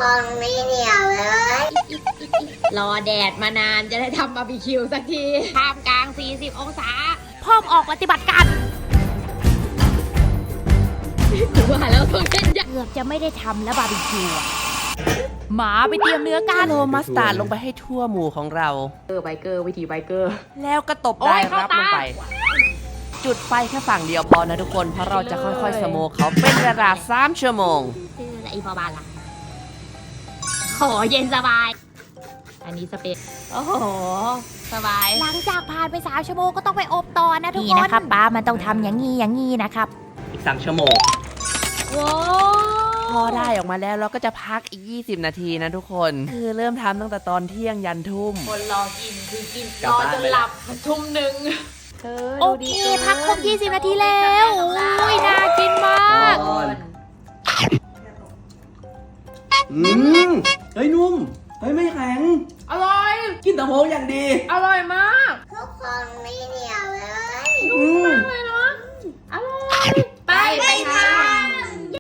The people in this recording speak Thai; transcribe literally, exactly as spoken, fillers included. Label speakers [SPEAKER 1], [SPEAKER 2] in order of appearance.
[SPEAKER 1] คนไม่เหนียวเลย
[SPEAKER 2] รอแดดมานานจะได้ทำบาร์บีคิวสักทีท่ามกลางสี่สิบองศา
[SPEAKER 3] พร้อมออกปฏิบัติการ
[SPEAKER 2] ถือว่าแล้วต้องเล่นยาก
[SPEAKER 3] เกือบจะไม่ได้ทำแล้วบาร์บีคิวอะหมาไปเตรียมเนื้อกัน
[SPEAKER 4] โรยมัสตาร์ดลงไปให้ทั่วหมู่ของเรา
[SPEAKER 2] เกอร์ไบเกอร์วิธีไบเกอร์
[SPEAKER 4] แล้วก็ตบ
[SPEAKER 2] โอ้
[SPEAKER 4] ได้
[SPEAKER 2] ยเข้า
[SPEAKER 4] รับ
[SPEAKER 2] ตา
[SPEAKER 4] ลงไป จุดไฟแค่ฝั่งเดียวพอนะทุกคน เพราะเราจะค่อยๆสโมกเขาเป็นเวลาสามชั่วโมง
[SPEAKER 2] คืออะไรอีพอบานล่ะขอเย็นสบาย อันนี้สเปซโอ้โห สบาย
[SPEAKER 3] หลังจากผ่านไปสามชั่วโมงก็ต้องไปอบต่อนะทุกคนนี่นะครับป้ามันต้องทำอย่างงี้อย่างงี้นะครับ
[SPEAKER 4] อีกสามชั่วโมง
[SPEAKER 2] ว้า
[SPEAKER 4] พอได้ออกมาแล้วเราก็จะพักอีกยี่สิบนาทีนะทุกคน คือเริ่มทำตั้งแต่ตอนเที่ยงยันทุ่ม
[SPEAKER 2] คนรอกินคือกิน
[SPEAKER 4] กลั
[SPEAKER 2] ร
[SPEAKER 4] บ
[SPEAKER 2] อ
[SPEAKER 4] บ้าน
[SPEAKER 2] จน
[SPEAKER 4] ไป
[SPEAKER 2] หลับทุ่มหนึ่ง
[SPEAKER 3] โอเคพักครบยี่สิบนาทีแล้วอุ้ยน่ากินมาก
[SPEAKER 4] อืมเฮ้ยนุ่ม เฮ้ยไม่แข็ง
[SPEAKER 2] อร่อย
[SPEAKER 4] กินแต่โมงอย่างดี
[SPEAKER 2] อร่อยมาก